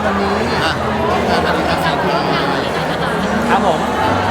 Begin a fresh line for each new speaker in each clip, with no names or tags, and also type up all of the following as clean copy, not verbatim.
วันนี้งานอะไรกัน
ครับผม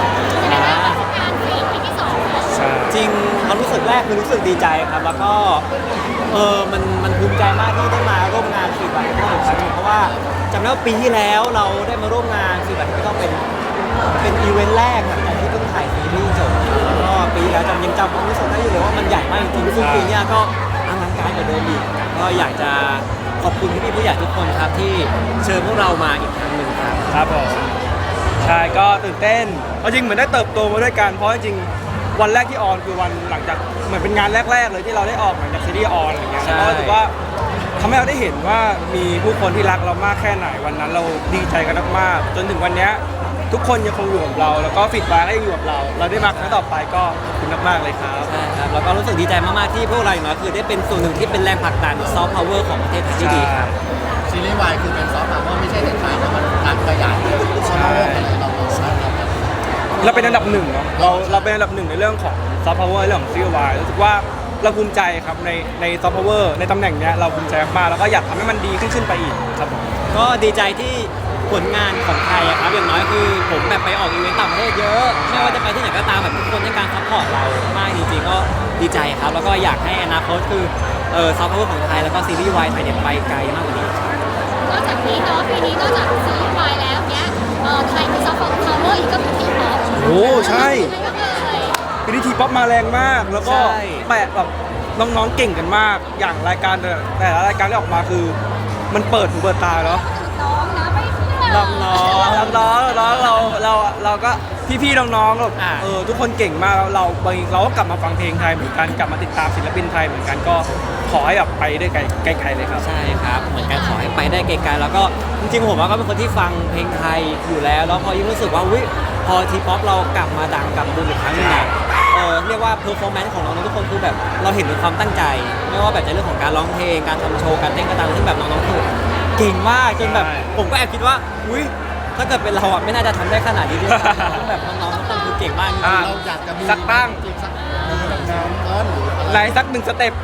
ใช่
จริงความรู้สึกแรกคือรู้สึกดีใจครับแล้วก็มันภูมิใจมากที่ได้มาร่วมงาน4 วันที่อีกครั้งหนึ่งเพราะว่าจำได้ว่าปีที่แล้วเราได้มาร่วมงาน4 วันที่ต้องเป็นอีเวนต์แรกหลังจากที่เพิ่งถ่ายซีรีส์จบแล้วก็ปีที่แล้วยังจำความรู้สึกได้อยู่เลยว่ามันใหญ่มากจริงๆซึ่งปีนี้ก็อลังการกว่าเดิมอีกก็อยากจะขอบคุณพี่ๆผู้ใหญ่ทุกคนครับที่เชิญพวกเรามาอีกครั้งหนึ่งครับ
ครับผมใช่ก็ตื่นเต้นเอาจริงเหมือนได้เติบโตมาด้วยกันเพราะจริงวันแรกที่ออนคือวันหลังจากเหมือนเป็นงานแรกๆเลยที่เราได้ออกหลังจากซีรีส์ออนอะไรเงี้ยแล้วก็รู้สึกว่าทำให้เราได้เห็นว่ามีผู้คนที่รักเรามากแค่ไหนวันนั้นเราดีใจกันมากๆจนถึงวันนี้ทุกคนยังคงอยู่กับเราแล้วก็ฟีดแบ็กก็ยังอยู่กับเราได้มาครั้งต่อไปก็ขอบคุณมากๆเลยครับ
ใช่ครับแล้วก็รู้สึกดีใจมากๆที่พวกเราอย่างน้อยคือได้เป็นส่วนหนึ่งที่เป็นแรงผลักดันซอฟต์พาวเวอร์ของประเทศไทยที่ดีครับ
ซีรีส์วายคือเป็นซอฟต์พาวเวอร์ไม่ใช่แต่ไทยแล้วมันการขยายซอฟต์พาวเวอร์อะไรเรา
เราเป็นอันดับหนึ่งเนาะเราเป็นอันดับหนึ่งในเรื่องของซอฟต์พาวเวอร์เรื่องของซีรีส์วายรู้สึกว่าเราภูมิใจครับในซอฟต์พาวเวอร์ในตำแหน่งเนี้ยเราภูมิใจมากแล้วก็อยากทำให้มันดีขึ้นไปอีกครับผม
ก็ดีใจที่ผลงานของไทยครับอย่างน้อยคือผมแบบไปออกอีเวนต์ต่างประเทศเยอะไม่ว่าจะไปที่ไหนก็ตามแบบทุกคนให้การซัพพอร์ตเรามากจริงๆก็ดีใจครับแล้วก็อยากให้อนาคตคือซอฟต์พาวเวอร์ของไทยแล้วก็ซีรีส์วายไทยเนี่ยไปไกลมากกว่านี้
นอกจากนี้เนาะปีนี้นอกจากซีรีส์วายแล้วเนี้ยไทยมีซอฟต์พาวเวอร์อีกก็คือทีป๊อป
โอ้ใช่ปีนี้ทีป๊อปมาแรงมากแล้วก็แปะแบบน้องๆเก่งกันมากอย่างรายการแต่ละรายการที่ออกมาคือมันเปิดหูเปิดตาเนาะ
น้องนะไม่เชื่อ
น้องเราก็พี่ๆน้องๆแบบทุกคนเก่งมากเราก็กลับมาฟังเพลงไทยเหมือนกันกลับมาติดตามศิลปินไทยเหมือนกันก็ขอให้แบบไปได้ไกลๆเลยครับ
ใช่ครับเหมือนกันขอให้ไปได้ไกลๆแล้วก็จริงๆผมว่าก็เป็นคนที่ฟังเพลงไทยอยู่แล้วพอยิ่งรู้สึกว่าพอทีป๊อปเรากลับมาดังกลับบูมอีกครั้งนึงเนี่ยเรียกว่าเพอร์ฟอร์แมนซ์ของน้องๆทุกคนคือแบบเราเห็นถึงความตั้งใจไม่ว่าแบบในเรื่องของการร้องเพลงการทำโชว์การเต้นกระตังซึ่งแบบน้องๆคือเก่งมากจนแบบผมก็แอบคิดว่าถ้าเกิดเป็นเราอ่ะไม่น่าจะทำได้ขนาดนี้ด้วยแบบน้องๆทุกคนคือเก่งมาก
เราอยากจะมี
สักตั้ง
สักน้ำร้อนหรือ
ไหนสักหนึ่งสเต็ป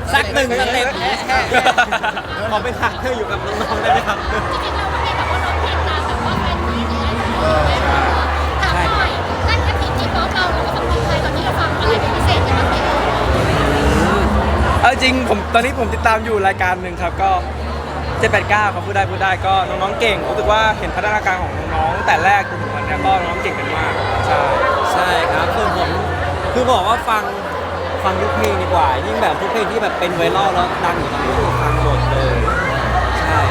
ขอเป็นหักเพื่ออยู่กับน้องๆได้ไหมครับ
จริงๆเราไม่ได้แบบว่าร้องเพลงตามแบบว่าเป็นมีอะไรถามหน่อยนั่นก็ทีป๊อปเราก็ฟังเพลงไทยตอนนี้เราฟังอะไรเป็นพิเศษกันบ้างไหม
เอาจริงตอนนี้ผมติดตามอยู่รายการหนึ่งครับก็789เขาพูดได้ก็น้องๆเก่งรู้สึกว่าเห็นพัฒนาการของน้องๆแต่แรกจนถึงวันนี้ก็น้องเก่งกันมาก
ใช่ครับคือบอกว่าฟังทุกเพลงดีกว่ายิ่งแบบทุกเพลงที่แบบเป็นไวรัลแล้วดังอยู่ตอนนี้ฟังหมดเลยใช่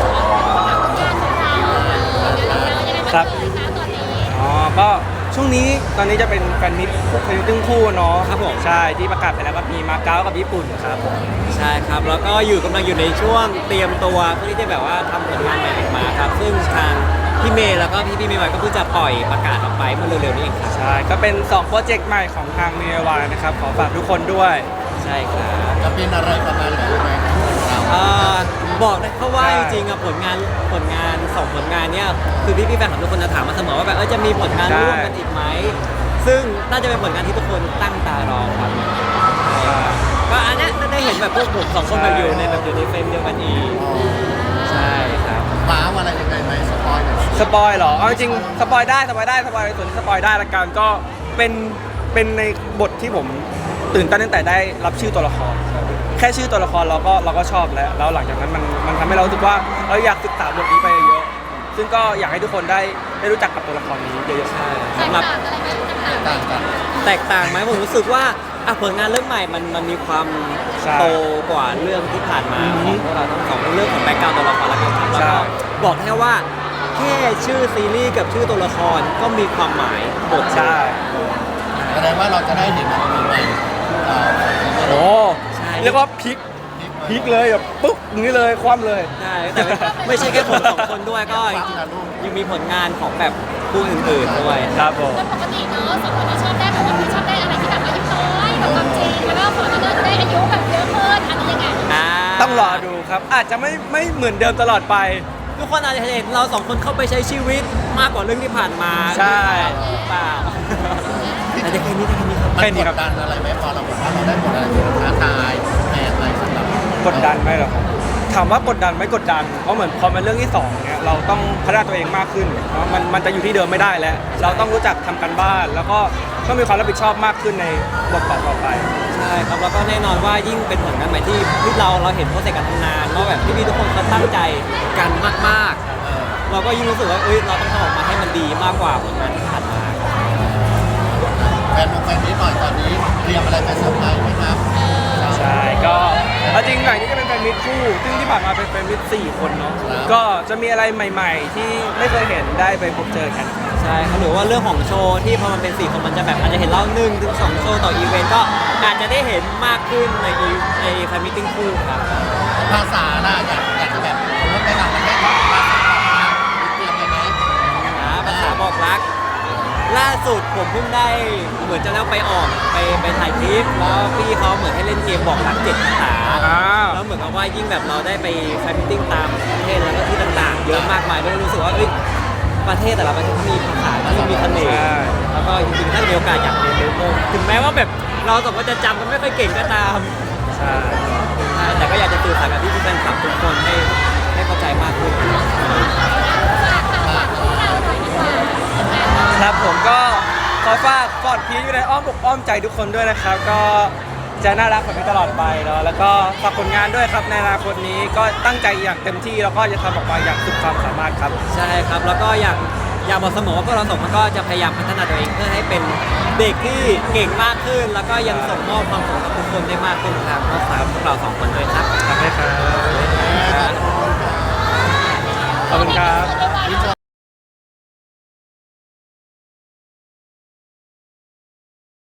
ครับก็ช่วงนี้ตอนนี้จะเป็นแฟนมิตรพายุตึ้งคู่เนาะ
ครับผม
ใช่ที่ประกาศไปแล้วก็มีมาเก๊ากับญี่ปุ่นครับ
ใช่ครับแล้วก็กำลังอยู่ในช่วงเตรียมตัวเพื่อที่จะแบบว่าทำผลงานใหม่ออกมาครับซึ่งทางพี่เมย์แล้วก็พี่เมย์ไวก็เพิ่งจะปล่อยประกาศออกไปเมื่อเร็วๆนี้เองครับ
ใช่ก็เป็น2โปรเจกต์ใหม่ของทางเมย์ไวนะครับขอฝากทุกคนด้วย
ใช่ครับ
จะเป็นอะไรประมาณไหนไหม
บอกได้เพราะว่าจริงๆผลงาน2ผลงานเนี่ยคือพี่แฟนของทุกคนจะถามมาเสมอว่าแบบจะมีผลงานร่วมกันอีกไหมซึ่งน่าจะเป็นผลงานที่ทุกคนตั้งตารอครับก็อันนี้ได้เห็นแบบพวกผม2คนแบบอยู่ในเฟรมเดียวกันอีกใช่ครับ
ว้าวอะไรยังไงไหมสปอยหน่อย
สปอยเหรอเอาจริงสปอยได้ส่วนที่สปอยได้ละกันก็เป็นในบทที่ผมตื่นเต้นตั้งแต่ได้รับชื่อตัวละครแค่ชื่อตัวละครเราก็ชอบแล้วหลังจากนั้นมันทำให้เรารู้สึกว่าเราอยากศึกษาบทนี้ไปเยอะซึ่งก็อยากให้ทุกคนได้รู้จักกับตัวละครนี้เยอะๆ
ใช่สำหรับแตกต่างไหมผมรู้สึกว่าผลงานเรื่องใหม่มันมีความโตกว่าเรื่องที่ผ่านมาของพวกเราทั้งสองเรื่องของแบ็คกราวด์ตัวละครแล้วกันครับแล้วก็บอกแค่ว่าแค่ชื่อซีรีส์กับชื่อตัวละครก็มีความหมายบท
ใช่
แสดงว่าเราจะได้เห็นอะไรใหม่
โอ้เรียกว่าพลิกเลยแบบปุ๊บอย่างนี้เลยคว่ำเลย
ใช่แต่ไม่ใช่แค่ผม2คนด้วยก็ยังมีผลงานของแบบผู้อื่นๆด้วย
ครับผม
ปกติเนาะ2คนที่ชอบได้แบบว่าชอบได้อะไรที่แบบอายุน้อยแบบความจริงแล้วก็คนที่ได้อายุแบบเยอะขึ้นอันนี้ยังไง
ต้องรอดูครับอาจจะไม่เหมือนเดิมตลอดไป
ทุกคนอาจจะเห็นเรา2คนเข้าไปใช้ชีวิตมากกว่าเรื่องที่ผ่านมา
ใช่
เปล่าแต่แค่นี้
มันกดดันอะไรไหมพอเราบอกว่าเราได้ผลอะไรที่ท้าทายแปลกอะไรสำหรับ
กดดันไหมหรอถามว่ากดดันไม่กดดันเพราะเหมือนพอเป็นเรื่องที่2เนี่ยเราต้องพัฒนาตัวเองมากขึ้นเนาะมันจะอยู่ที่เดิมไม่ได้แล้ว เราต้องรู้จักทำการบ้าน แล้วก็ต้องมีความรับผิดชอบมากขึ้นในบทต่อไป
ใช่ครับแล้วก็แน่นอนว่ายิ่งเป็นผลงานใหม่ที่เราเห็นโปรเซสการทำงานว่าแบบพี่ๆทุกคนเขาตั้งใจกันมากๆเราก็ยิ่งรู้สึกว่าเราต้องทำออกมาให้มันดีมากกว่าผลงานที่ผ่านมา
แฟนนี้หน่อยตอนนี้เตรียมอะไรไปเซอร์ไพรส์ไหมครับ
ใช่ก็เอาจริงหลังนี้จะเป็นแฟนมิตรคู่ ซึ่งที่ผ่านมาเป็นแฟนมิตร4 คนเนาะก็จะมีอะไรใหม่ ๆ ที่ไม่เคยเห็นได้ไปพบเจอกัน
ใช่ครับหรือว่าเรื่องของโชว์ที่พอมันเป็น4 คนมันจะแบบอาจจะเห็นเรา1 ถึง 2 โชว์ต่ออีเวนต์ก็อาจจะได้เห็นมากขึ้นในแฟนมิทติ้งคู่ครับ
ภาษาล่ะอยากจะแบบรถไปต่างประเทศภาษาเตรียมไปไหม
ภาษาบอกรัก ล่าสุดผมเพิ่งได้เหมือนจะแล้วไปออกไปถ่ายคลิปแล้วพี่เขาเหมือนให้เล่นเกมบอกรัก7 ภาษา แล้วเหมือนกับว่ายิ่งแบบเราได้ไปแฟนมิทติ้งตามประเทศแล้วก็ที่ต่างๆ เยอะมากมายด้วยรู้สึกว่าประเทศแต่ละประเทศเขามีภาษาที่มีเสน่ห์แล้วก็จริงๆถ้ามีโอกาสอยากเรียนรู้เพิ่มถึงแม้ว่าแบบเราสองคนจะจำกันไม่ค่อยเก่งก็ตาม
ใช่
ใช่แต่ก็อยากจะสื่อสารกับพี่แฟนคลับทุกคนให้เข้าใจมากขึ้น
ครับผมก็ขอฝากฟอร์ดพีอยู่ในอ้อมอกอ้อมใจทุกคนด้วยนะครับ ก็จะน่ารักแบบนี้ตลอดไปเนาะแล้วก็ฝากผลงานด้วยครับในอนาคตนี้ก็ตั้งใจอย่างเต็มที่แล้วก็จะทำออกมาอย่างสุดความสามารถครับ
ใช่ครับแล้วก็อยากบอกเสมอว่าพวกเราสองคนก็จะพยายามพัฒนาตัวเองเพื่อให้เป็นเด็กที่เก่งมากขึ้น แล้วก็ยังส่งมอบความสุขกับทุกคนได้มากขึ้นครับก็ฝากพวกเราสองคนด้วยครับ
ขอบคุณครับ ขอบคุณครับ